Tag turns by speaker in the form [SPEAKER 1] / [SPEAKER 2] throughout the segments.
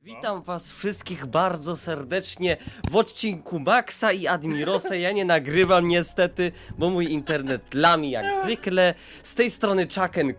[SPEAKER 1] Witam was wszystkich bardzo serdecznie w odcinku Maxa i Admirosa. Ja nie nagrywam niestety, bo mój internet lami jak zwykle. Z tej strony Chucken.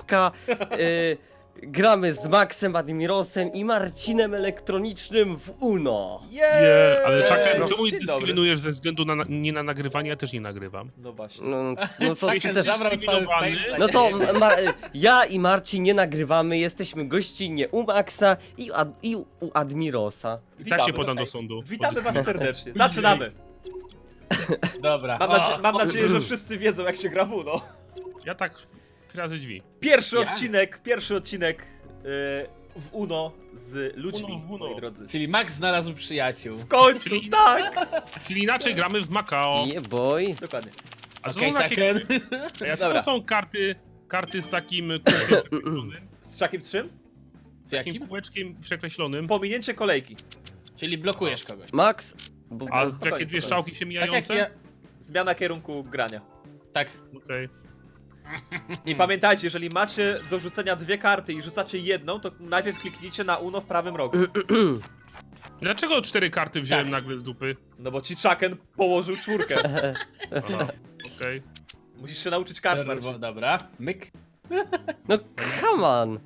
[SPEAKER 1] Gramy z Maxem, Admirosem i Marcinem Elektronicznym w UNO.
[SPEAKER 2] Nie, ale czekaj,
[SPEAKER 1] Dzień
[SPEAKER 2] czemu mnie
[SPEAKER 3] dobry.
[SPEAKER 2] dyskryminujesz ze względu na nie na nagrywanie? Ja też nie nagrywam.
[SPEAKER 3] No właśnie.
[SPEAKER 1] No to ty
[SPEAKER 4] Chucken
[SPEAKER 1] też...
[SPEAKER 4] zabrał cały fame dla
[SPEAKER 1] No to
[SPEAKER 4] siebie.
[SPEAKER 1] ja i Marcin nie nagrywamy, jesteśmy gościnnie u Maxa i u Admirosa.
[SPEAKER 2] I tak
[SPEAKER 3] Witamy.
[SPEAKER 2] cię podam do sądu.
[SPEAKER 3] Witamy was serdecznie. Zaczynamy.
[SPEAKER 4] Dobra.
[SPEAKER 3] Mam nadzieję, że wszyscy wiedzą, jak się gra w UNO.
[SPEAKER 2] Ja tak razy drzwi.
[SPEAKER 3] Pierwszy
[SPEAKER 4] Ja?
[SPEAKER 3] odcinek w UNO z ludźmi,
[SPEAKER 2] UNO w UNO.
[SPEAKER 3] moi drodzy.
[SPEAKER 4] Czyli Max znalazł przyjaciół.
[SPEAKER 3] W końcu,
[SPEAKER 2] Czyli-
[SPEAKER 3] tak!
[SPEAKER 2] Czyli inaczej gramy w Macao.
[SPEAKER 1] Yeah boy.
[SPEAKER 3] Dokładnie.
[SPEAKER 2] A są
[SPEAKER 4] Okej,
[SPEAKER 2] takie-
[SPEAKER 4] Chucken.
[SPEAKER 2] A jak
[SPEAKER 3] Dobra.
[SPEAKER 2] to są karty z takim kółeczkiem przekreślonym?
[SPEAKER 3] Z czakiem czym?
[SPEAKER 4] Z
[SPEAKER 2] Takim
[SPEAKER 4] jakim?
[SPEAKER 2] kółeczkiem przekreślonym.
[SPEAKER 3] Pominięcie kolejki.
[SPEAKER 4] Czyli blokujesz kogoś.
[SPEAKER 1] Max... Bo...
[SPEAKER 2] A
[SPEAKER 3] spokojnie,
[SPEAKER 2] jakie dwie
[SPEAKER 3] spokojnie.
[SPEAKER 2] strzałki się
[SPEAKER 4] Tak
[SPEAKER 2] mijające?
[SPEAKER 4] jak ja...
[SPEAKER 3] Zmiana kierunku grania.
[SPEAKER 4] Tak.
[SPEAKER 2] Okej.
[SPEAKER 3] I pamiętajcie, jeżeli macie do rzucenia dwie karty i rzucacie jedną, to najpierw kliknijcie na UNO w prawym rogu.
[SPEAKER 2] Dlaczego 4 karty wziąłem
[SPEAKER 4] Tak.
[SPEAKER 2] nagle z dupy?
[SPEAKER 3] No bo ci Chucken położył czwórkę.
[SPEAKER 2] Aha, okej.
[SPEAKER 3] Musisz się nauczyć kart, Marcin.
[SPEAKER 4] Dobra. Myk.
[SPEAKER 1] No come on.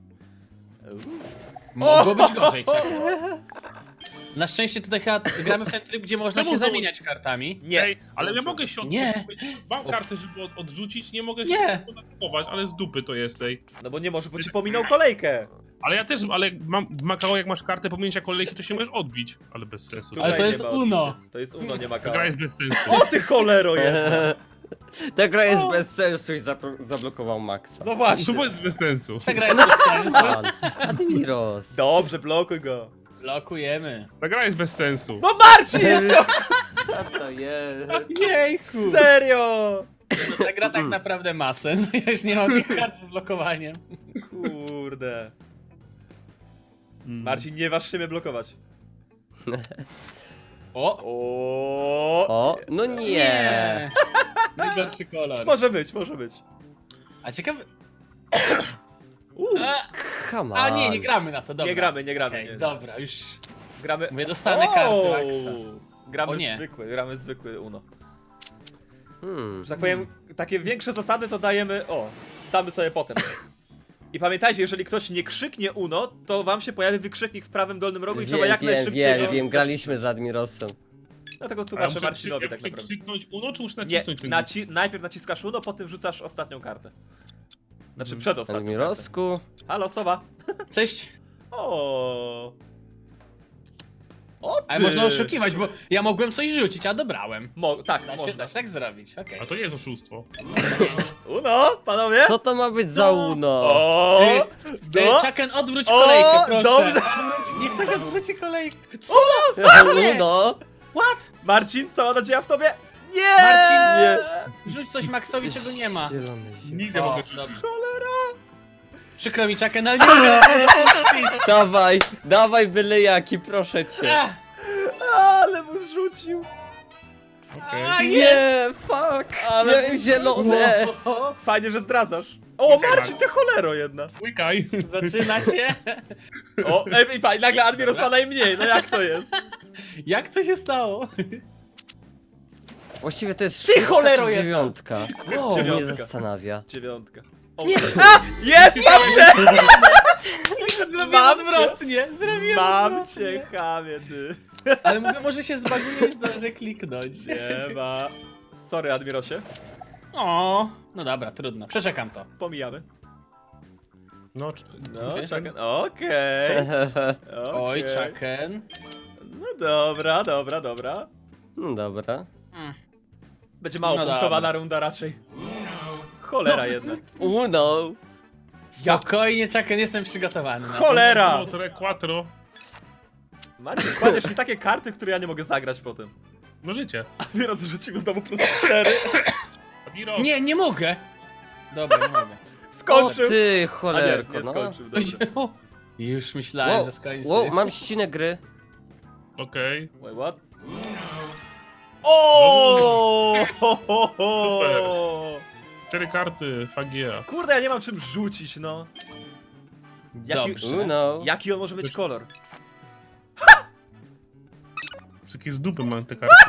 [SPEAKER 4] Mogło być gorzej, Chucken. Na szczęście tutaj chyba gramy w ten tryb, gdzie można
[SPEAKER 2] Czemu
[SPEAKER 4] się
[SPEAKER 2] znowu-
[SPEAKER 4] zamieniać kartami.
[SPEAKER 3] Nie.
[SPEAKER 2] Ej, ale ja mogę się
[SPEAKER 4] Nie.
[SPEAKER 2] Mam kartę, żeby odrzucić, nie mogę się
[SPEAKER 4] Nie.
[SPEAKER 2] kupować, ale z dupy to jest tej.
[SPEAKER 3] No bo nie może, bo ci pominął kolejkę.
[SPEAKER 2] Ale ja też, ale mam w Macao, jak masz kartę pominięcia kolejki, to się możesz odbić. Ale bez sensu.
[SPEAKER 4] Ale
[SPEAKER 3] Tutaj
[SPEAKER 4] to
[SPEAKER 3] nie
[SPEAKER 4] jest
[SPEAKER 3] ma
[SPEAKER 4] UNO.
[SPEAKER 3] odbicia. To jest UNO, nie ma
[SPEAKER 2] Ta
[SPEAKER 3] kart.
[SPEAKER 2] gra jest bez sensu.
[SPEAKER 3] O ty cholero jedna!
[SPEAKER 1] Ta gra jest bez sensu i zablokował Maxa.
[SPEAKER 3] No właśnie.
[SPEAKER 2] To jest bez sensu.
[SPEAKER 4] Ta gra jest bez sensu.
[SPEAKER 1] Pan. Admiros.
[SPEAKER 3] Dobrze, blokuj go.
[SPEAKER 4] Blokujemy.
[SPEAKER 2] Ta gra jest bez sensu.
[SPEAKER 3] No Marcin!
[SPEAKER 1] Co to jest?
[SPEAKER 4] Jejku.
[SPEAKER 3] Serio!
[SPEAKER 4] Ta gra tak naprawdę ma sens. Ja już nie mam tych kart z blokowaniem.
[SPEAKER 3] Kurde. Marcin, nie waż się mnie blokować.
[SPEAKER 4] O!
[SPEAKER 3] O.
[SPEAKER 1] O, no nie.
[SPEAKER 4] Najgorszy kolor.
[SPEAKER 3] Może być, może być.
[SPEAKER 4] A ciekawe...
[SPEAKER 3] A,
[SPEAKER 1] Come on.
[SPEAKER 4] A nie, nie gramy na to, dobra.
[SPEAKER 3] nie gramy, nie gramy.
[SPEAKER 4] Okej,
[SPEAKER 3] nie.
[SPEAKER 4] dobra, już...
[SPEAKER 3] Gramy.
[SPEAKER 4] Mówię, dostanę karty Maxa.
[SPEAKER 3] Gramy
[SPEAKER 4] O nie.
[SPEAKER 3] gramy zwykły UNO.
[SPEAKER 1] Hmm.
[SPEAKER 3] Że tak powiem, takie większe zasady to dajemy. O, damy sobie potem. I pamiętajcie, jeżeli ktoś nie krzyknie UNO, to wam się pojawi wykrzyknik w prawym dolnym rogu i trzeba jak najszybciej go...
[SPEAKER 1] Wiem, graliśmy z Admirosem.
[SPEAKER 3] Dlatego
[SPEAKER 2] A ja
[SPEAKER 3] tłumaczę
[SPEAKER 2] muszę
[SPEAKER 3] Marcinowi tak naprawdę.
[SPEAKER 2] kliknąć UNO, czy muszę
[SPEAKER 3] Nie,
[SPEAKER 2] nacisnąć ten
[SPEAKER 3] najpierw naciskasz UNO, potem rzucasz ostatnią kartę. Znaczy przedostatnią kartę.
[SPEAKER 1] Admirosku.
[SPEAKER 3] Halo, sowa.
[SPEAKER 4] Cześć.
[SPEAKER 3] O. O ty.
[SPEAKER 4] Ale można oszukiwać, bo ja mogłem coś rzucić, a dobrałem.
[SPEAKER 3] Tak,
[SPEAKER 4] Da się
[SPEAKER 3] można.
[SPEAKER 4] tak zrobić, okej.
[SPEAKER 2] A to nie jest oszustwo.
[SPEAKER 3] UNO, panowie.
[SPEAKER 1] Co to ma być za Uno?
[SPEAKER 3] O. No.
[SPEAKER 4] Chucken, odwróć
[SPEAKER 3] O,
[SPEAKER 4] kolejkę, proszę.
[SPEAKER 3] dobrze.
[SPEAKER 4] Niech ktoś odwróci kolejkę. Co?
[SPEAKER 1] Uno?
[SPEAKER 4] What?
[SPEAKER 3] Marcin, cała nadzieja w tobie? Nie!
[SPEAKER 4] Marcin,
[SPEAKER 1] nie.
[SPEAKER 4] Rzuć coś Maxowi, czego nie ma.
[SPEAKER 1] Zielony się.
[SPEAKER 2] Nigdy nie
[SPEAKER 4] O,
[SPEAKER 2] mogę
[SPEAKER 4] dobrze.
[SPEAKER 3] Cholera!
[SPEAKER 4] Przykro mi, Chucken, ale nie mogę odpuścić.
[SPEAKER 1] Dawaj, dawaj byle jaki, proszę cię.
[SPEAKER 4] Ah,
[SPEAKER 3] Ale mu rzucił.
[SPEAKER 2] Okej.
[SPEAKER 4] a, jest.
[SPEAKER 1] Nie, fuck.
[SPEAKER 3] Ale-
[SPEAKER 1] Nie, zielone.
[SPEAKER 4] O,
[SPEAKER 3] Fajnie, że zdradzasz. O, Marcin, ty cholero jedna.
[SPEAKER 2] Łykaj.
[SPEAKER 4] zaczyna się.
[SPEAKER 3] O, i fajnie, nagle Admiros ma najmniej, no jak to jest?
[SPEAKER 4] Jak to się stało?
[SPEAKER 1] Właściwie to jest
[SPEAKER 3] Ty
[SPEAKER 1] szóstka
[SPEAKER 3] cholero
[SPEAKER 1] czy
[SPEAKER 3] jedna.
[SPEAKER 1] dziewiątka. O, mnie
[SPEAKER 3] Dziewiątka.
[SPEAKER 1] zastanawia.
[SPEAKER 3] Dziewiątka. O, a! Jest, mam cię!
[SPEAKER 4] Zrobiłem
[SPEAKER 3] Mam cię.
[SPEAKER 4] odwrotnie. Zrobiłem
[SPEAKER 3] Mam
[SPEAKER 4] odwrotnie.
[SPEAKER 3] cię, chamie, ty.
[SPEAKER 4] Ale mówię, może się zbaguje i zdążę kliknąć.
[SPEAKER 3] Nie ma. Sorry, Admirosie.
[SPEAKER 4] O, no dobra, trudno. Przeczekam to.
[SPEAKER 3] Pomijamy.
[SPEAKER 2] No,
[SPEAKER 3] No,
[SPEAKER 4] Okej.
[SPEAKER 3] czekaj. Okej.
[SPEAKER 4] Oj,
[SPEAKER 3] Okej.
[SPEAKER 4] Chucken.
[SPEAKER 3] No dobra, dobra, dobra.
[SPEAKER 1] No dobra.
[SPEAKER 3] Będzie mało
[SPEAKER 4] No
[SPEAKER 3] punktowana
[SPEAKER 4] dobra.
[SPEAKER 3] runda raczej. Cholera jedna.
[SPEAKER 1] Uno.
[SPEAKER 4] Spokojnie, Chucken, jestem przygotowany na to.
[SPEAKER 3] Cholera!
[SPEAKER 2] no, tre, quattro.
[SPEAKER 3] Marcin, kładziesz mi takie karty, które ja nie mogę zagrać potem.
[SPEAKER 2] No życie.
[SPEAKER 3] Admiros rzucił znowu plus 4.
[SPEAKER 2] Admiro.
[SPEAKER 4] Nie, nie mogę. Dobra, nie mogę.
[SPEAKER 3] Skończył.
[SPEAKER 1] O ty,
[SPEAKER 3] A nie,
[SPEAKER 1] cholerko,
[SPEAKER 3] nie
[SPEAKER 1] no.
[SPEAKER 3] skończył, dobra.
[SPEAKER 4] Już myślałem, że skończy.
[SPEAKER 1] wow, mam ścinę gry.
[SPEAKER 2] Okej.
[SPEAKER 3] Wait, what? O!
[SPEAKER 2] Super. 4 karty, fagia.
[SPEAKER 3] Kurde, ja nie mam czym rzucić, no. Jaki,
[SPEAKER 4] Dobrze.
[SPEAKER 1] Uno.
[SPEAKER 3] jaki on może mieć kolor?
[SPEAKER 2] Takie z dupy mam te karty.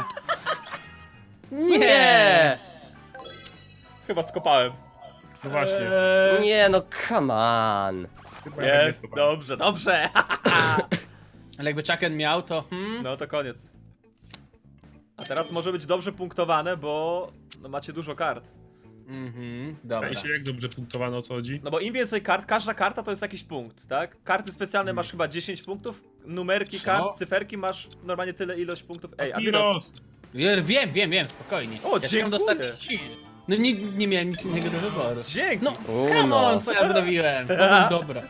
[SPEAKER 1] Nie!
[SPEAKER 3] Chyba skopałem.
[SPEAKER 2] No właśnie.
[SPEAKER 1] Nie no, come on.
[SPEAKER 2] Chyba ja
[SPEAKER 3] Jest,
[SPEAKER 2] nie skopałem.
[SPEAKER 3] dobrze, dobrze.
[SPEAKER 4] Ale jakby Chucken miał, to...
[SPEAKER 3] No to koniec. A teraz może być dobrze punktowane, bo no, macie dużo kart.
[SPEAKER 4] Dobra.
[SPEAKER 2] Zdaje się, jak dobrze punktowano, o co chodzi.
[SPEAKER 3] No bo im więcej kart, każda karta to jest jakiś punkt, tak? Karty specjalne masz chyba 10 punktów, numerki
[SPEAKER 4] Co?
[SPEAKER 3] kart, cyferki masz normalnie tyle ilość punktów. Ej, Admiros.
[SPEAKER 2] Admiros!
[SPEAKER 4] Wiem, spokojnie.
[SPEAKER 3] O,
[SPEAKER 4] ja szukam do
[SPEAKER 3] dziękuję.
[SPEAKER 4] ostatnich sił. No nie miałem nic innego do wyboru.
[SPEAKER 3] Dzięki.
[SPEAKER 4] No,
[SPEAKER 1] Uno.
[SPEAKER 4] come on, co ja zrobiłem? Powiem dobra.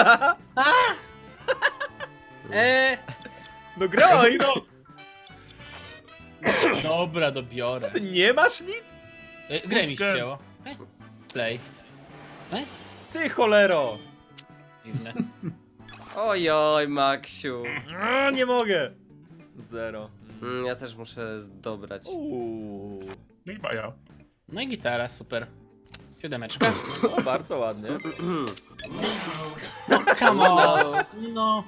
[SPEAKER 3] No groj!
[SPEAKER 4] Dobra,
[SPEAKER 3] Co
[SPEAKER 4] dobiorę.
[SPEAKER 3] ty nie masz nic?
[SPEAKER 4] Grę mi się wzięło. Play.
[SPEAKER 3] Ty cholero!
[SPEAKER 4] Dziwne.
[SPEAKER 1] Ojoj, Maksiu.
[SPEAKER 3] A, nie mogę. 0.
[SPEAKER 1] Ja też muszę dobrać.
[SPEAKER 2] No i baja.
[SPEAKER 4] No i gitara, super. 7.
[SPEAKER 3] No, bardzo ładnie.
[SPEAKER 4] Come on.
[SPEAKER 1] No.
[SPEAKER 4] No.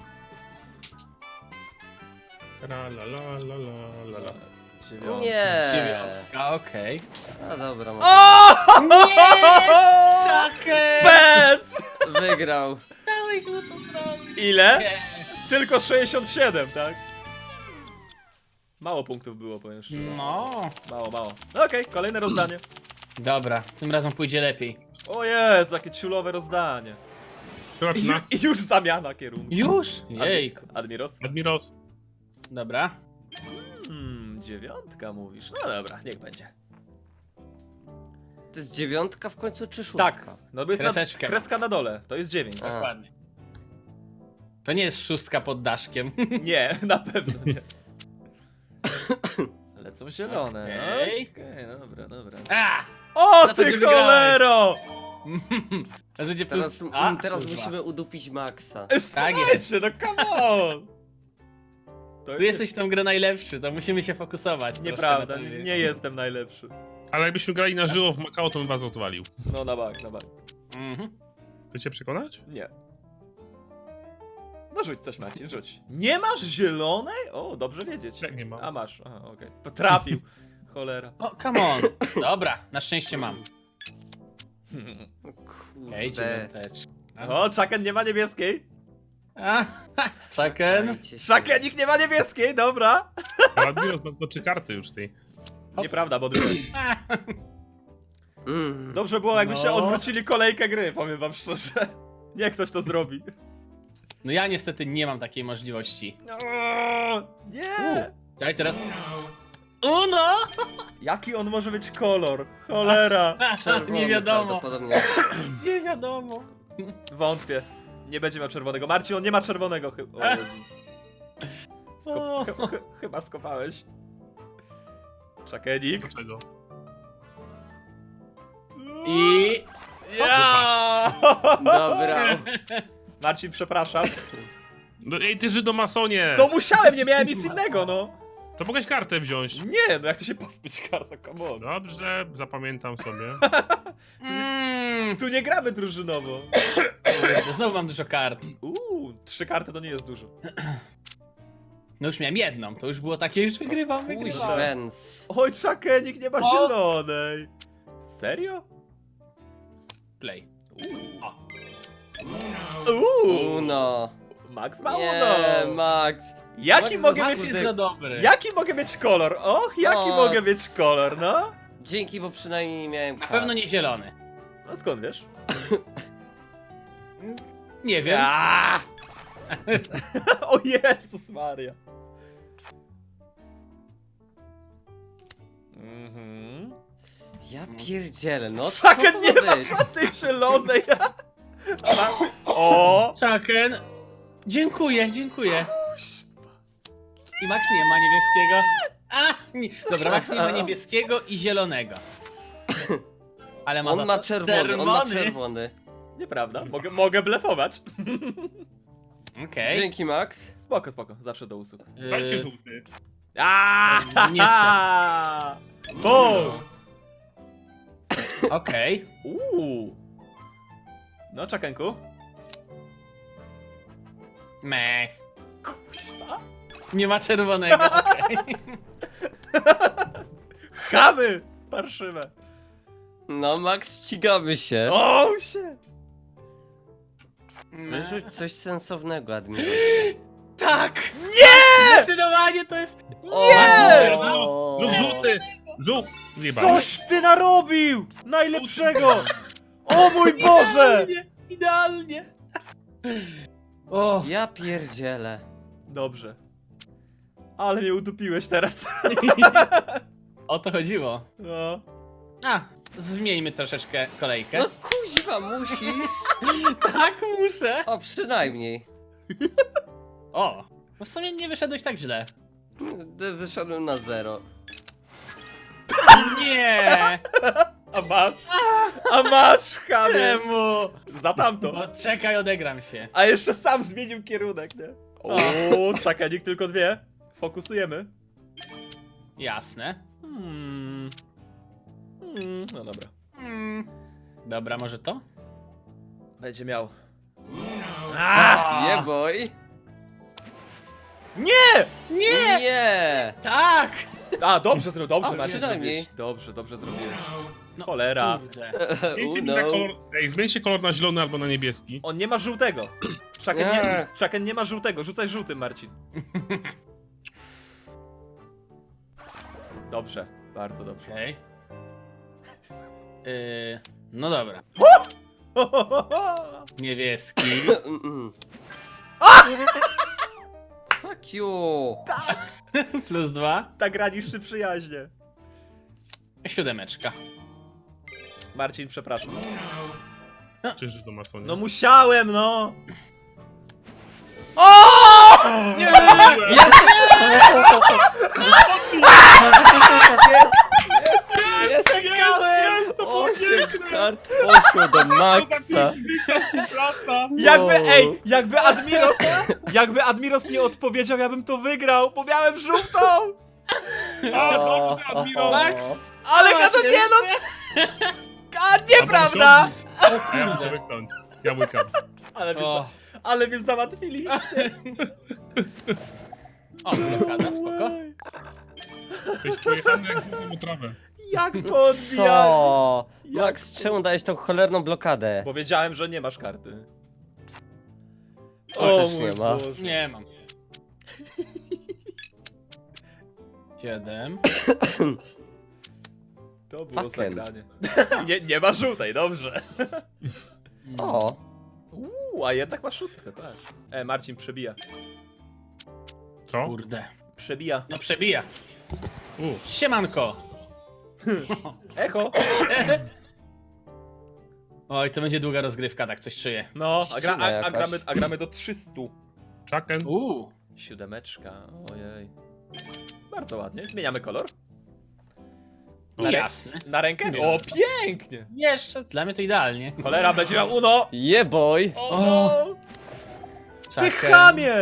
[SPEAKER 2] La la la la la la la.
[SPEAKER 1] Nie.
[SPEAKER 4] 9. Okej.
[SPEAKER 1] No dobra,
[SPEAKER 3] O!
[SPEAKER 4] Chucken!
[SPEAKER 3] Bec!
[SPEAKER 1] wygrał.
[SPEAKER 4] Dałeś mu to zrobić.
[SPEAKER 3] Ile?
[SPEAKER 4] Nie.
[SPEAKER 3] Tylko 67, tak? Mało punktów było, powiem szczerze.
[SPEAKER 4] No.
[SPEAKER 3] Mało. No okej, kolejne rozdanie.
[SPEAKER 4] Dobra, tym razem pójdzie lepiej.
[SPEAKER 3] O Jezu, jakie ciulowe rozdanie.
[SPEAKER 2] Zobaczmy.
[SPEAKER 3] I już zamiana kierunku.
[SPEAKER 4] Już? Jejku.
[SPEAKER 3] Admiros?
[SPEAKER 2] Admiros.
[SPEAKER 4] Dobra.
[SPEAKER 3] 9 mówisz. No dobra, niech będzie.
[SPEAKER 1] To jest 9 w końcu czy 6?
[SPEAKER 3] Tak, no bo jest
[SPEAKER 4] Kreseczkę.
[SPEAKER 3] kreska na dole, to jest 9.
[SPEAKER 1] A.
[SPEAKER 4] Dokładnie. To nie jest 6 pod daszkiem.
[SPEAKER 3] Nie, na pewno nie. Lecą zielone.
[SPEAKER 4] Okej.
[SPEAKER 3] Okej, dobra.
[SPEAKER 4] A!
[SPEAKER 3] O
[SPEAKER 4] Za to,
[SPEAKER 3] ty
[SPEAKER 4] że wygrałeś.
[SPEAKER 3] cholero!
[SPEAKER 4] Teraz będzie
[SPEAKER 1] Teraz,
[SPEAKER 4] plus... A,
[SPEAKER 1] teraz
[SPEAKER 4] kurwa.
[SPEAKER 1] musimy udupić Maxa.
[SPEAKER 4] Tak
[SPEAKER 3] Słuchajcie, no come on! To
[SPEAKER 4] Ty jesteś w tą grę najlepszy, to musimy się fokusować. troszkę
[SPEAKER 3] Nieprawda,
[SPEAKER 4] na tobie.
[SPEAKER 3] nie jestem najlepszy.
[SPEAKER 2] Ale jakbyśmy grali na żywo w Macao, to bym was odwalił.
[SPEAKER 3] No na bank.
[SPEAKER 4] Mhm.
[SPEAKER 2] Chcecie przekonać?
[SPEAKER 3] Nie. No rzuć coś, Marcin, rzuć. Nie masz zielonej? O, dobrze wiedzieć.
[SPEAKER 2] Jak nie mam.
[SPEAKER 3] A masz, aha, okej. Potrafił. Cholera.
[SPEAKER 4] O, come on. Dobra, na szczęście mam. Okej,
[SPEAKER 1] Kurde.
[SPEAKER 4] 9.
[SPEAKER 3] O, Chucken nie ma niebieskiej.
[SPEAKER 4] Chucken.
[SPEAKER 1] Dajcie się.
[SPEAKER 3] Chuckenik nie ma niebieskiej, dobra.
[SPEAKER 2] Ale Admiros ma 3 karty już tej.
[SPEAKER 4] Hop.
[SPEAKER 3] Nieprawda, bo dwie. Dobrze było, jakbyście
[SPEAKER 4] No.
[SPEAKER 3] odwrócili kolejkę gry, powiem wam szczerze. Niech ktoś to zrobi.
[SPEAKER 4] No ja niestety nie mam takiej możliwości.
[SPEAKER 3] Nie!
[SPEAKER 4] Daj teraz... Uno!
[SPEAKER 3] Jaki on może być kolor? Cholera.
[SPEAKER 1] Czerwony
[SPEAKER 4] Nie wiadomo.
[SPEAKER 1] prawdopodobnie.
[SPEAKER 4] Nie wiadomo.
[SPEAKER 3] Wątpię. Nie będzie miał czerwonego. Marcin, on nie ma czerwonego chyba. O Jezus.
[SPEAKER 4] O.
[SPEAKER 3] Chyba skopałeś. Czakenik.
[SPEAKER 2] Dlaczego?
[SPEAKER 4] I...
[SPEAKER 3] Ja!
[SPEAKER 1] Dobra.
[SPEAKER 3] Marcin, przepraszam.
[SPEAKER 2] No ej, ty Żydomasonie!
[SPEAKER 3] No musiałem, nie miałem nic innego, no.
[SPEAKER 2] To mogłeś kartę wziąć.
[SPEAKER 3] Nie, no jak to się pozbyć karta, come on.
[SPEAKER 2] Dobrze, zapamiętam sobie.
[SPEAKER 3] Tu nie gramy drużynowo.
[SPEAKER 4] Kurde, znowu mam dużo kart.
[SPEAKER 3] 3 karty to nie jest dużo.
[SPEAKER 4] No już miałem jedną, to już było takie, już wygrywam.
[SPEAKER 1] Kuźwens.
[SPEAKER 3] Oj, Czakenik nie ma
[SPEAKER 4] O!
[SPEAKER 3] zielonej. Serio?
[SPEAKER 4] Play.
[SPEAKER 1] Uno.
[SPEAKER 3] Max ma
[SPEAKER 1] Nie,
[SPEAKER 3] uno.
[SPEAKER 1] Max.
[SPEAKER 3] Jaki
[SPEAKER 1] Max
[SPEAKER 3] mogę
[SPEAKER 1] Max
[SPEAKER 3] mieć...
[SPEAKER 4] Max jest za dobry.
[SPEAKER 3] Jaki mogę mieć kolor? Och, jaki
[SPEAKER 1] O,
[SPEAKER 3] mogę mieć kolor, no?
[SPEAKER 1] Dzięki, bo przynajmniej nie miałem
[SPEAKER 4] Na
[SPEAKER 1] kart.
[SPEAKER 4] pewno nie zielony.
[SPEAKER 3] No skąd wiesz?
[SPEAKER 4] Nie wiem.
[SPEAKER 3] Ja! O Jezus Maria. Mhm.
[SPEAKER 1] Ja pierdzielę, no co
[SPEAKER 3] Chucken
[SPEAKER 1] to
[SPEAKER 3] nie
[SPEAKER 1] ma
[SPEAKER 3] ma
[SPEAKER 1] być?
[SPEAKER 3] żadnej zielonej. Dobra. O!
[SPEAKER 4] Chucken. Dziękuję. I Max nie ma niebieskiego. Nie. Dobra, Max nie ma niebieskiego i zielonego. Ale ma
[SPEAKER 1] On
[SPEAKER 4] za
[SPEAKER 1] ma
[SPEAKER 4] to
[SPEAKER 1] czerwony.
[SPEAKER 3] Nieprawda, mogę blefować.
[SPEAKER 4] Okej.
[SPEAKER 1] Dzięki, Max.
[SPEAKER 3] Spoko, zawsze do usług.
[SPEAKER 2] Dajcie żółty.
[SPEAKER 3] Boom!
[SPEAKER 4] Okej.
[SPEAKER 3] No, Czakenku.
[SPEAKER 4] Mech.
[SPEAKER 3] Kuźwa.
[SPEAKER 4] Nie ma czerwonego. okej.
[SPEAKER 3] Chamy! Parszywe.
[SPEAKER 1] No, Max, ścigamy się.
[SPEAKER 3] O, się!
[SPEAKER 1] Wyrzuć coś sensownego, Admiros.
[SPEAKER 4] Tak! Nie! Zdecydowanie to jest...
[SPEAKER 3] Nie!
[SPEAKER 2] Żółw, żółty! Żółw! Zjebany.
[SPEAKER 3] Coś ty narobił! Najlepszego! O mój Boże!
[SPEAKER 4] Idealnie! O,
[SPEAKER 1] Ja pierdzielę.
[SPEAKER 3] Dobrze. Ale mnie udupiłeś teraz.
[SPEAKER 4] o to chodziło.
[SPEAKER 3] No.
[SPEAKER 4] A, zmieńmy troszeczkę kolejkę.
[SPEAKER 1] No kuźwa, musisz.
[SPEAKER 4] Tak, muszę.
[SPEAKER 1] O, przynajmniej.
[SPEAKER 4] O, no w sumie nie wyszedłeś tak źle.
[SPEAKER 1] Wyszedłem na 0.
[SPEAKER 4] Nie!
[SPEAKER 3] A masz? A masz, chamie!
[SPEAKER 4] Czemu?
[SPEAKER 3] Za tamto.
[SPEAKER 4] No czekaj, odegram się.
[SPEAKER 3] A jeszcze sam zmienił kierunek, nie? O, czekaj, tylko 2. Fokusujemy.
[SPEAKER 4] Jasne.
[SPEAKER 3] No dobra.
[SPEAKER 4] Dobra, może to?
[SPEAKER 3] Będzie miał.
[SPEAKER 1] Nie boy.
[SPEAKER 3] Nie!
[SPEAKER 4] Nie!
[SPEAKER 1] Nie.
[SPEAKER 4] Tak!
[SPEAKER 3] A, dobrze zrobił, dobrze
[SPEAKER 1] A,
[SPEAKER 3] Marcin
[SPEAKER 1] przynajmniej.
[SPEAKER 3] zrobiłeś. Dobrze zrobiłeś.
[SPEAKER 4] No,
[SPEAKER 3] Cholera.
[SPEAKER 4] Kurde.
[SPEAKER 2] Zmieńcie mi
[SPEAKER 1] Uno.
[SPEAKER 2] na kolor... Ej, zmieńcie kolor na zielony albo na niebieski.
[SPEAKER 3] On nie ma żółtego. Chucken nie ma żółtego. Rzucaj żółtym, Marcin. Dobrze, bardzo dobrze.
[SPEAKER 4] Okej. No dobra. Niebieski.
[SPEAKER 1] Fuck you.
[SPEAKER 4] +2.
[SPEAKER 3] Tak gra niszczy przyjaźnie.
[SPEAKER 4] 7.
[SPEAKER 3] Marcin, przepraszam.
[SPEAKER 2] Czyż to masonie?
[SPEAKER 3] No musiałem, no!
[SPEAKER 4] Nie!
[SPEAKER 1] Jest.
[SPEAKER 4] Czekałem!
[SPEAKER 1] 8 kart poszło do Maxa.
[SPEAKER 3] Jakby Admiros nie odpowiedział, ja bym to wygrał, bo miałem żółtą!
[SPEAKER 2] A, dobrze, Admiro!
[SPEAKER 4] Max!
[SPEAKER 3] Ale to nie, no! A, nieprawda!
[SPEAKER 2] A ja muszę wyknąć. Ja łykam.
[SPEAKER 3] Ale mnie załatwiliście.
[SPEAKER 4] O, blokada, spoko.
[SPEAKER 2] Jesteś pojechany jak główną trawę.
[SPEAKER 3] Jak to odbijać?
[SPEAKER 1] Co? Max, czemu dałeś tą cholerną blokadę?
[SPEAKER 3] Bo wiedziałem, że nie masz karty.
[SPEAKER 1] O, też nie ma.
[SPEAKER 3] Boże.
[SPEAKER 4] Nie mam. 7.
[SPEAKER 3] To było
[SPEAKER 1] Fucking.
[SPEAKER 3] zagranie. Nie ma żółtej, dobrze.
[SPEAKER 1] O,
[SPEAKER 3] A jednak masz 6, tak. Marcin przebija.
[SPEAKER 2] Co?
[SPEAKER 4] Kurde.
[SPEAKER 3] Przebija.
[SPEAKER 4] No przebija. Siemanko.
[SPEAKER 3] Echo.
[SPEAKER 4] Oj, to będzie długa rozgrywka, tak coś czuję.
[SPEAKER 3] No,
[SPEAKER 1] Ścina jakaś.
[SPEAKER 3] a gramy do 300.
[SPEAKER 2] Chucken.
[SPEAKER 3] 7. Ojej. Bardzo ładnie. Zmieniamy kolor.
[SPEAKER 4] Jasne.
[SPEAKER 3] Na rękę?
[SPEAKER 4] Nie.
[SPEAKER 3] O, pięknie!
[SPEAKER 4] Jeszcze, dla mnie to idealnie.
[SPEAKER 3] Cholera, będzie miał uno!
[SPEAKER 1] yeah boy.
[SPEAKER 3] O, no. Ty
[SPEAKER 4] Chucken.
[SPEAKER 3] chamie!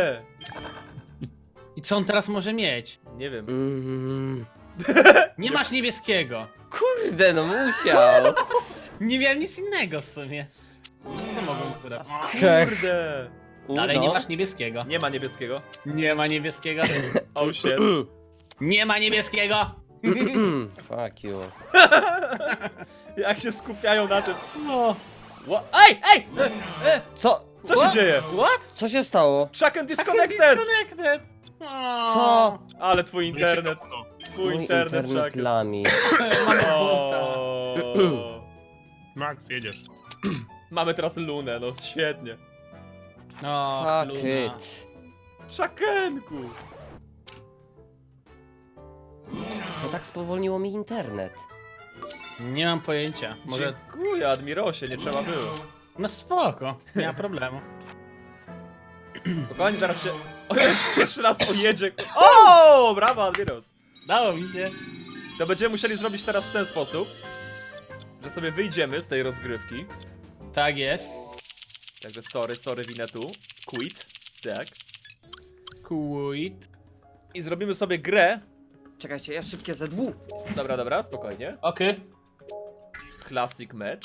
[SPEAKER 4] I co on teraz może mieć?
[SPEAKER 3] Nie wiem.
[SPEAKER 4] Nie masz niebieskiego.
[SPEAKER 1] Kurde, no musiał.
[SPEAKER 4] Nie miałem nic innego w sumie. Co mogłem zrobić?
[SPEAKER 3] Kurde!
[SPEAKER 4] Dalej nie masz niebieskiego.
[SPEAKER 3] Nie ma niebieskiego.
[SPEAKER 4] Nie ma niebieskiego.
[SPEAKER 3] Oh shit.
[SPEAKER 4] Nie ma niebieskiego.
[SPEAKER 1] Fuck you.
[SPEAKER 3] Jak się skupiają na tym.
[SPEAKER 4] No.
[SPEAKER 3] Ej, ej!
[SPEAKER 1] Co?
[SPEAKER 3] Co się dzieje?
[SPEAKER 4] What?
[SPEAKER 1] Co się stało?
[SPEAKER 3] Chucken disconnected!
[SPEAKER 4] Disconnected.
[SPEAKER 1] Co?
[SPEAKER 3] Ale twój internet. Twój
[SPEAKER 1] Mój
[SPEAKER 3] internet,
[SPEAKER 1] internet
[SPEAKER 3] Chucken.
[SPEAKER 1] lami.
[SPEAKER 4] Mamy bota.
[SPEAKER 3] O.
[SPEAKER 2] Max, jedziesz.
[SPEAKER 3] Mamy teraz lunę, no świetnie.
[SPEAKER 4] No,
[SPEAKER 1] Fuck
[SPEAKER 4] Luna.
[SPEAKER 1] it.
[SPEAKER 3] Chuckenku!
[SPEAKER 1] To tak spowolniło mi internet.
[SPEAKER 4] Nie mam pojęcia. Może...
[SPEAKER 3] Dziękuję, Admirosie, nie trzeba było.
[SPEAKER 4] No spoko, nie ma problemu.
[SPEAKER 3] Spokojnie, zaraz się... O, jeszcze raz ojedzie. O, brawo, Admiros.
[SPEAKER 4] Dało mi się.
[SPEAKER 3] To będziemy musieli zrobić teraz w ten sposób, że sobie wyjdziemy z tej rozgrywki.
[SPEAKER 4] Tak jest.
[SPEAKER 3] Także sorry, winę tu. Quit. Tak.
[SPEAKER 4] Quit.
[SPEAKER 3] I zrobimy sobie grę.
[SPEAKER 1] Czekajcie, ja szybkie ZW.
[SPEAKER 3] Dobra, spokojnie.
[SPEAKER 4] Okej.
[SPEAKER 3] Classic match.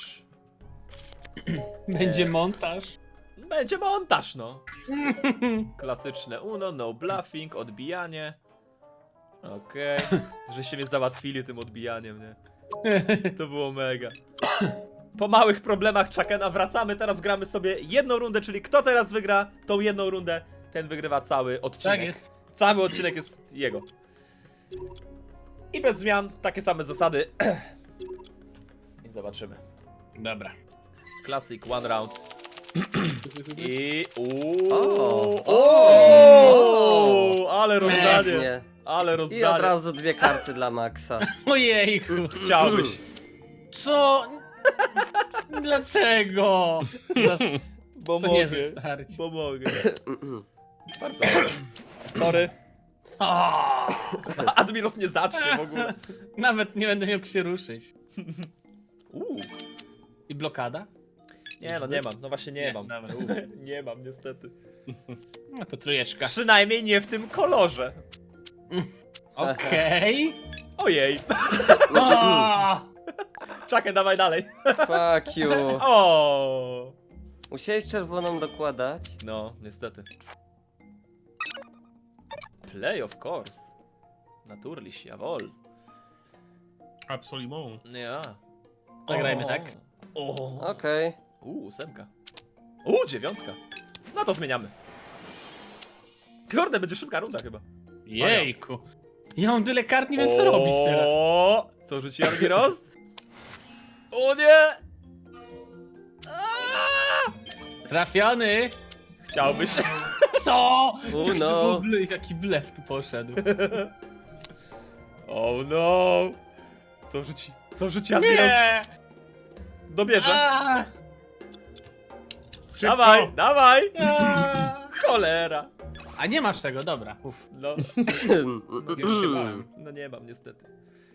[SPEAKER 4] Będzie montaż.
[SPEAKER 3] Będzie montaż, no. Klasyczne Uno, no bluffing, odbijanie. Okej. Żeście mnie załatwili tym odbijaniem, nie? To było mega. Po małych problemach Chakena wracamy, teraz gramy sobie jedną rundę, czyli kto teraz wygra tą jedną rundę, ten wygrywa cały odcinek.
[SPEAKER 4] Tak jest.
[SPEAKER 3] Cały odcinek jest jego. I bez zmian, takie same zasady. I zobaczymy.
[SPEAKER 4] Dobra.
[SPEAKER 3] Classic, one round. I... Ale rozdanie.
[SPEAKER 1] Pięknie.
[SPEAKER 3] Ale
[SPEAKER 1] I od
[SPEAKER 3] rozdanie.
[SPEAKER 1] razu 2 karty dla Maxa.
[SPEAKER 4] Ojejku.
[SPEAKER 3] Chciałbyś.
[SPEAKER 4] Co? Dlaczego?
[SPEAKER 3] Bo
[SPEAKER 4] To
[SPEAKER 3] mogę.
[SPEAKER 4] nie wystarczy.
[SPEAKER 3] Bo mogę. Bardzo ładnie. Sorry.
[SPEAKER 4] O,
[SPEAKER 3] Admiros nie zacznie w ogóle.
[SPEAKER 4] nawet nie będę miał jak się ruszyć.
[SPEAKER 3] Uuu.
[SPEAKER 4] I blokada?
[SPEAKER 3] Nie no, nie mam. No właśnie nie
[SPEAKER 4] Nie,
[SPEAKER 3] mam.
[SPEAKER 4] dobra.
[SPEAKER 3] Nie mam niestety.
[SPEAKER 4] No to trójeczka.
[SPEAKER 3] Przynajmniej nie w tym kolorze.
[SPEAKER 4] Okej.
[SPEAKER 3] Ojej.
[SPEAKER 4] O!
[SPEAKER 3] Czakę, dawaj dalej.
[SPEAKER 1] Fuck you.
[SPEAKER 3] O.
[SPEAKER 1] Musiałeś czerwoną dokładać?
[SPEAKER 3] No, niestety. Play of course. Naturliś, jawohl.
[SPEAKER 2] Absolument.
[SPEAKER 3] Ja.
[SPEAKER 4] Zagrajmy tak.
[SPEAKER 3] O.
[SPEAKER 1] Okej.
[SPEAKER 3] 8. 9. No to zmieniamy. Kurde, będzie szybka runda chyba.
[SPEAKER 4] Jejku. Ja mam tyle kart, nie wiem co robić teraz.
[SPEAKER 3] O, co rzuci Admiros? O nie!
[SPEAKER 4] Trafiony!
[SPEAKER 3] Chciałbyś.
[SPEAKER 4] Co?
[SPEAKER 1] Oh
[SPEAKER 4] Jaki to
[SPEAKER 1] no.
[SPEAKER 4] był jaki blef tu poszedł.
[SPEAKER 3] Oh no! Co rzuci? Co rzuci Admiros?
[SPEAKER 4] Nie!
[SPEAKER 3] Dobierze.
[SPEAKER 4] A!
[SPEAKER 2] Szybko.
[SPEAKER 3] Dawaj, dawaj!
[SPEAKER 4] A!
[SPEAKER 3] Cholera!
[SPEAKER 4] A nie masz tego, dobra. Uf.
[SPEAKER 3] No,
[SPEAKER 4] Już się bałem.
[SPEAKER 3] no nie mam niestety.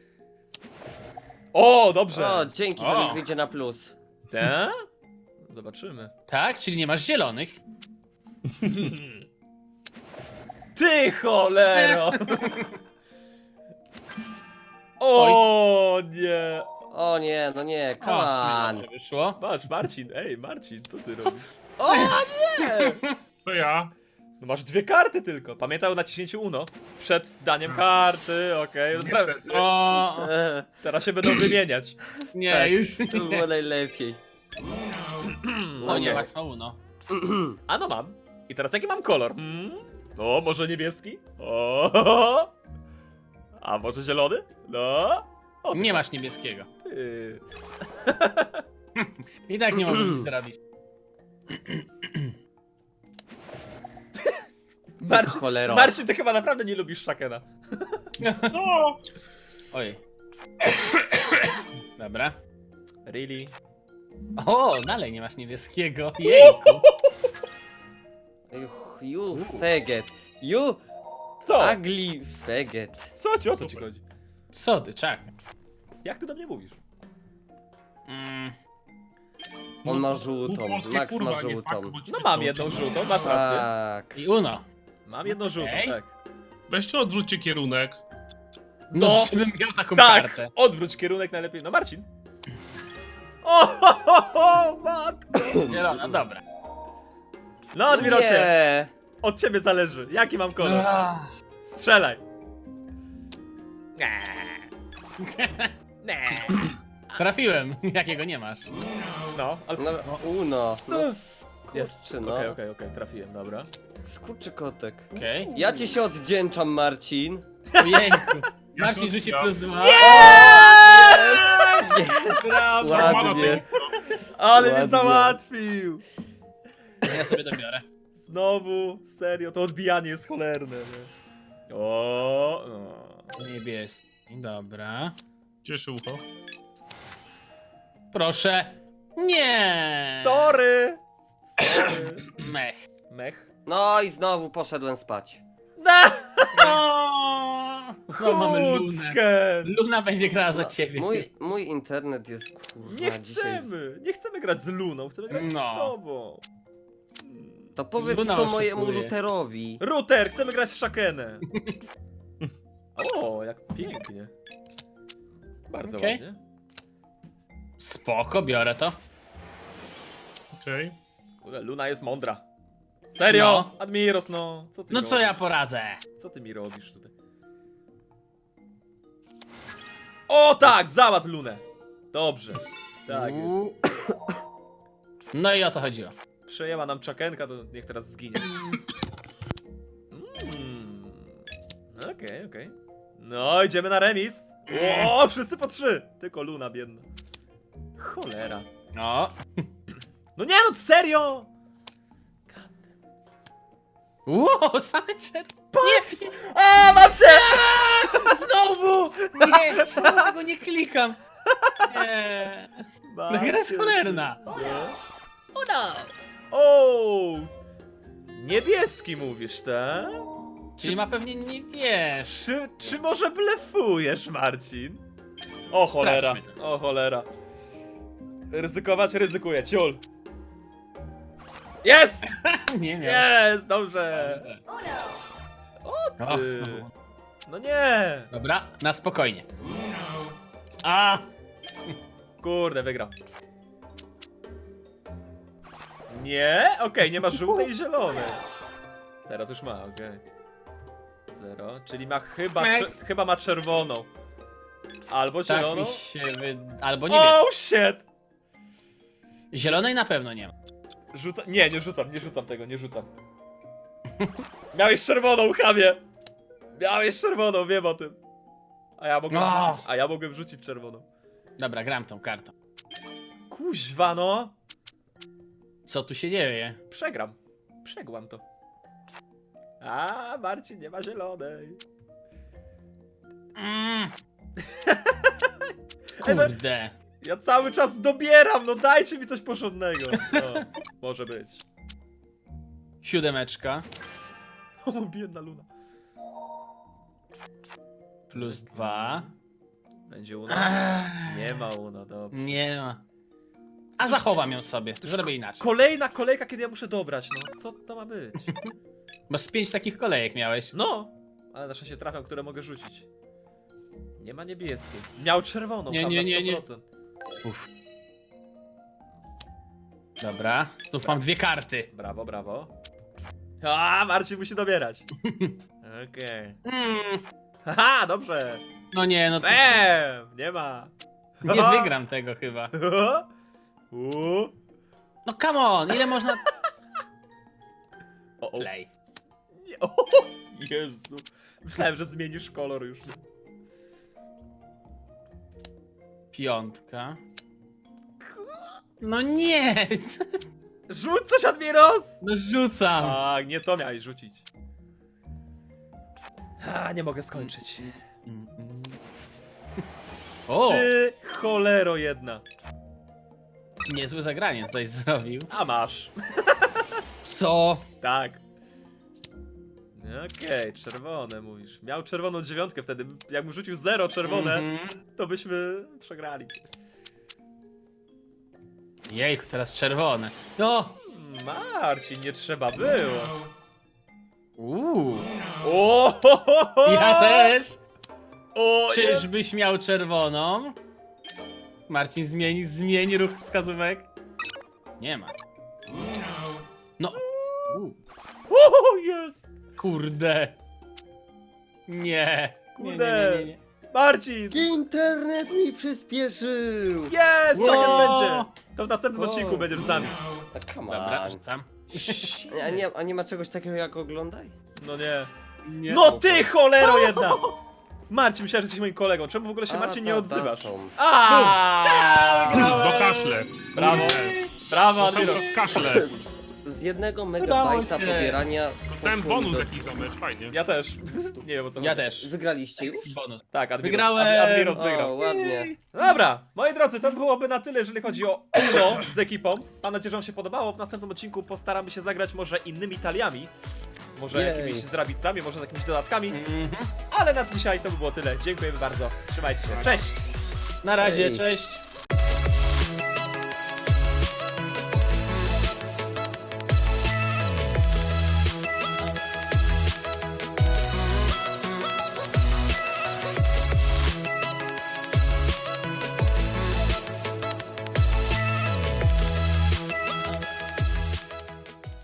[SPEAKER 3] O, dobrze!
[SPEAKER 1] O, dzięki, to
[SPEAKER 4] O.
[SPEAKER 1] mi wyjdzie na plus.
[SPEAKER 3] Te? Zobaczymy.
[SPEAKER 4] Tak? Czyli nie masz zielonych?
[SPEAKER 3] Ty cholero! O nie!
[SPEAKER 1] O nie, no nie, come
[SPEAKER 4] O, w sumie
[SPEAKER 1] on.
[SPEAKER 4] dobrze wyszło.
[SPEAKER 3] Patrz, Marcin, ej, Marcin, co ty robisz? O nie!
[SPEAKER 2] To ja.
[SPEAKER 3] No masz 2 karty tylko. Pamiętaj o naciśnięciu UNO. Przed daniem karty, okej.
[SPEAKER 2] Niestety.
[SPEAKER 4] O,
[SPEAKER 3] Teraz się będą wymieniać.
[SPEAKER 4] nie,
[SPEAKER 3] Tak,
[SPEAKER 4] już
[SPEAKER 1] To
[SPEAKER 4] nie.
[SPEAKER 1] było najlepiej.
[SPEAKER 4] O nie, Max ma uno.
[SPEAKER 3] A no mam. I teraz jaki mam kolor? O, może niebieski? O! A może zielony? No. O,
[SPEAKER 4] Nie masz niebieskiego.
[SPEAKER 3] ty.
[SPEAKER 4] I tak nie mogę nic zrobić.
[SPEAKER 3] Marcin,
[SPEAKER 1] Cholero.
[SPEAKER 3] Marcin, ty chyba naprawdę nie lubisz Shakena.
[SPEAKER 2] No.
[SPEAKER 4] Oj. Dobra.
[SPEAKER 3] Really?
[SPEAKER 4] O, dalej nie masz niebieskiego. Jejku.
[SPEAKER 1] You faggot. You
[SPEAKER 3] Co?
[SPEAKER 1] ugly faggot.
[SPEAKER 3] Co ci, o co ci chodzi?
[SPEAKER 4] Co ty, czak?
[SPEAKER 3] Jak ty do mnie mówisz?
[SPEAKER 4] Mm,
[SPEAKER 1] On ma żółtą,
[SPEAKER 2] Głupotki,
[SPEAKER 1] Max
[SPEAKER 2] kurwa,
[SPEAKER 1] ma
[SPEAKER 2] nie
[SPEAKER 1] żółtą.
[SPEAKER 2] fakt, bo ci
[SPEAKER 3] No
[SPEAKER 2] się
[SPEAKER 3] mam
[SPEAKER 2] to-
[SPEAKER 3] jedną żółtą, masz rację.
[SPEAKER 1] Tak.
[SPEAKER 4] I uno.
[SPEAKER 3] Mam jedną żółtą,
[SPEAKER 4] Okej.
[SPEAKER 3] tak.
[SPEAKER 2] Weźcie odwróćcie kierunek.
[SPEAKER 4] No,
[SPEAKER 3] No,
[SPEAKER 4] żebym miał taką
[SPEAKER 3] Tak!
[SPEAKER 4] kartę.
[SPEAKER 3] Odwróć kierunek najlepiej. No Marcin. O, matko!
[SPEAKER 4] Zielona, dobra.
[SPEAKER 3] No Admirosie,
[SPEAKER 1] Nie.
[SPEAKER 3] od ciebie zależy. Jaki mam kolor?
[SPEAKER 4] Ah.
[SPEAKER 3] Strzelaj. Nie.
[SPEAKER 4] Trafiłem, jakiego nie masz.
[SPEAKER 3] No, ale...
[SPEAKER 1] No, uno. No,
[SPEAKER 3] Jest.
[SPEAKER 1] skurczy, no.
[SPEAKER 3] Okej, trafiłem, dobra.
[SPEAKER 1] Skurczy kotek.
[SPEAKER 4] Okej.
[SPEAKER 1] Ja ci się oddzięczam, Marcin.
[SPEAKER 4] Ojejku.
[SPEAKER 2] Ja
[SPEAKER 4] Marcin
[SPEAKER 2] to-
[SPEAKER 4] rzuci
[SPEAKER 2] ja-
[SPEAKER 4] +2. Brawo.
[SPEAKER 1] Ładnie.
[SPEAKER 3] Ale mnie
[SPEAKER 1] Ładnie.
[SPEAKER 3] załatwił.
[SPEAKER 4] Ja sobie to biorę.
[SPEAKER 3] Znowu, serio, to odbijanie jest cholerne. Nie? O, no.
[SPEAKER 4] Niebieski. Dobra.
[SPEAKER 2] Cieszy ucho.
[SPEAKER 4] Proszę. Nie.
[SPEAKER 3] Sorry.
[SPEAKER 4] Mech.
[SPEAKER 3] Mech.
[SPEAKER 1] No i znowu poszedłem spać.
[SPEAKER 3] Da!
[SPEAKER 4] No. Znowu mamy Lunę.
[SPEAKER 3] Kuckę.
[SPEAKER 4] Luna będzie grała za ciebie.
[SPEAKER 1] Mój internet jest kurwa
[SPEAKER 3] Nie
[SPEAKER 1] dzisiaj.
[SPEAKER 3] chcemy. Nie chcemy grać z Luną, chcemy grać
[SPEAKER 4] No.
[SPEAKER 3] z tobą.
[SPEAKER 1] To powiedz
[SPEAKER 4] Luna
[SPEAKER 1] to mojemu
[SPEAKER 4] oszukuje.
[SPEAKER 1] routerowi.
[SPEAKER 3] Router, chcemy grać z Shakenem. O, jak pięknie. Bardzo
[SPEAKER 4] Okej.
[SPEAKER 3] ładnie.
[SPEAKER 4] Spoko, biorę to.
[SPEAKER 2] Okej.
[SPEAKER 3] Kurde, Luna jest mądra. Serio?
[SPEAKER 4] No.
[SPEAKER 3] Admiros, no. Co ty
[SPEAKER 4] No
[SPEAKER 3] robisz?
[SPEAKER 4] co ja poradzę?
[SPEAKER 3] Co ty mi robisz tutaj? O tak, załatw Lunę. Dobrze. Tak jest.
[SPEAKER 4] No i o to chodziło.
[SPEAKER 3] Przejęła nam czakenka, to niech teraz zginie. Okej. No, idziemy na remis. O, wszyscy po 3. Tylko Luna biedna. Cholera.
[SPEAKER 4] No.
[SPEAKER 3] No nie no, serio!
[SPEAKER 4] Ło, same czerwone. Nie,
[SPEAKER 3] A, mam cię!
[SPEAKER 4] znowu! Nie, czemu tego nie klikam? Nie.
[SPEAKER 3] Mam
[SPEAKER 4] No gra jest
[SPEAKER 3] cię.
[SPEAKER 4] cholerna.
[SPEAKER 3] O! Niebieski mówisz, tak?
[SPEAKER 4] Czyli ma pewnie nie wiesz.
[SPEAKER 3] Czy może blefujesz, Marcin? O cholera,
[SPEAKER 4] Sprawdźmy
[SPEAKER 3] o cholera. Ryzykować? Ryzykuję, ciul. Jest!
[SPEAKER 4] Nie miał.
[SPEAKER 3] Jest, dobrze.
[SPEAKER 4] Och,
[SPEAKER 3] Ty.
[SPEAKER 4] znowu.
[SPEAKER 3] No nie.
[SPEAKER 4] Dobra, na spokojnie. A!
[SPEAKER 3] Kurde, wygrał. Nie? Okej, nie ma żółtej i zielonej. Teraz już ma, okej. 0, czyli ma chyba ma czerwoną. Albo
[SPEAKER 4] Tak
[SPEAKER 3] zieloną.
[SPEAKER 4] mi się Albo nie wiesz.
[SPEAKER 3] Oh shit!
[SPEAKER 4] Zielonej na pewno nie ma.
[SPEAKER 3] Nie rzucam tego, nie rzucam. Miałeś czerwoną, chamie! Miałeś czerwoną, wiem o tym. A ja mogłem wrzucić czerwoną.
[SPEAKER 4] Dobra, gram tą kartą.
[SPEAKER 3] Kuźwa no!
[SPEAKER 4] Co tu się dzieje?
[SPEAKER 3] Przegram. Przegłam to. A, Marcin nie ma zielonej.
[SPEAKER 4] Kurde.
[SPEAKER 3] Ja cały czas dobieram, no dajcie mi coś porządnego. No, może być.
[SPEAKER 4] 7.
[SPEAKER 3] O, biedna Luna.
[SPEAKER 4] Plus 2.
[SPEAKER 3] Będzie Una? Nie ma Una, dobra.
[SPEAKER 4] Nie ma. A zachowam ją sobie. Zrobię inaczej.
[SPEAKER 3] Kolejna kolejka, kiedy ja muszę dobrać, no. Co to ma być?
[SPEAKER 4] Bo z 5 takich kolejek miałeś.
[SPEAKER 3] No! Ale na szczęście trafiam, które mogę rzucić. Nie ma niebieskiej. Miał czerwoną,
[SPEAKER 4] Nie,
[SPEAKER 3] tam
[SPEAKER 4] nie,
[SPEAKER 3] na
[SPEAKER 4] nie, nie.
[SPEAKER 3] 100%.
[SPEAKER 4] Uff. Dobra, znów mam 2 karty.
[SPEAKER 3] Brawo, brawo. A, Marcin musi dobierać. Okej. Haha, dobrze.
[SPEAKER 4] No nie, no to
[SPEAKER 3] Nie ma.
[SPEAKER 4] nie wygram tego chyba. No come on, ile można...
[SPEAKER 3] O, o.
[SPEAKER 4] Play.
[SPEAKER 3] Nie. O, Jezu. Myślałem, że zmienisz kolor już.
[SPEAKER 4] 5. No nie!
[SPEAKER 3] Rzuć coś, Admiros!
[SPEAKER 4] No rzucam.
[SPEAKER 3] Tak, nie to miałeś rzucić. A, nie mogę skończyć.
[SPEAKER 4] O!
[SPEAKER 3] Ty cholero jedna.
[SPEAKER 4] Niezłe zagranie tutaj zrobił.
[SPEAKER 3] A masz.
[SPEAKER 4] Co?
[SPEAKER 3] Tak. Okej, czerwone mówisz. Miał czerwoną 9 wtedy. Jakbym rzucił 0 czerwone,
[SPEAKER 4] Mhm.
[SPEAKER 3] to byśmy przegrali.
[SPEAKER 4] Jejku, teraz czerwone. No!
[SPEAKER 3] Marcin, nie trzeba było. O,
[SPEAKER 4] Ja też!
[SPEAKER 3] O,
[SPEAKER 4] Czyżbyś miał czerwoną? Marcin, zmieni ruch wskazówek. Nie ma. No.
[SPEAKER 3] O, jest.
[SPEAKER 4] Kurde. Nie.
[SPEAKER 3] Kurde.
[SPEAKER 4] Nie.
[SPEAKER 3] Marcin!
[SPEAKER 1] Internet mi przyspieszył!
[SPEAKER 3] Jest! Czekaj,
[SPEAKER 4] Wow.
[SPEAKER 3] będzie! To w następnym
[SPEAKER 1] Wow.
[SPEAKER 3] odcinku będziesz z nami.
[SPEAKER 1] A come
[SPEAKER 4] Dobra,
[SPEAKER 1] on.
[SPEAKER 4] rzucam.
[SPEAKER 1] A nie ma czegoś takiego jak oglądaj?
[SPEAKER 3] No nie.
[SPEAKER 4] Nie.
[SPEAKER 3] No ty cholero jedna! Marcin, myślałem, że jesteś moim kolegą. Czemu w ogóle się
[SPEAKER 1] A,
[SPEAKER 3] Marcin nie
[SPEAKER 1] ta
[SPEAKER 3] odzywasz?
[SPEAKER 1] są.
[SPEAKER 2] Do kaszle.
[SPEAKER 3] Brawo! Brawo, Admiros!
[SPEAKER 2] Kaszle.
[SPEAKER 1] Z 1
[SPEAKER 4] Udało
[SPEAKER 1] megabajta
[SPEAKER 4] się.
[SPEAKER 1] pobierania
[SPEAKER 2] Dostałem
[SPEAKER 1] poszło mi
[SPEAKER 2] bonus
[SPEAKER 1] do...
[SPEAKER 2] jakiś zomecz, fajnie.
[SPEAKER 3] Ja też. Nie wiem o co
[SPEAKER 4] Ja
[SPEAKER 3] chodzi.
[SPEAKER 4] też.
[SPEAKER 1] Wygraliście już?
[SPEAKER 4] Bonus.
[SPEAKER 3] Tak, Admiros.
[SPEAKER 4] Wygrałem!
[SPEAKER 3] Admiros
[SPEAKER 1] O,
[SPEAKER 3] wygrał.
[SPEAKER 1] ładnie.
[SPEAKER 3] No dobra, moi drodzy, to byłoby na tyle, jeżeli chodzi o Uno z ekipą. Mam nadzieję, że wam się podobało. W następnym odcinku postaramy się zagrać może innymi taliami. Może
[SPEAKER 1] Jej.
[SPEAKER 3] jakimiś zrabicami, może z jakimiś dodatkami.
[SPEAKER 4] Mhm.
[SPEAKER 3] Ale na dzisiaj to by było tyle. Dziękujemy bardzo. Trzymajcie się. Cześć!
[SPEAKER 4] Na razie,
[SPEAKER 1] Ej.
[SPEAKER 4] cześć.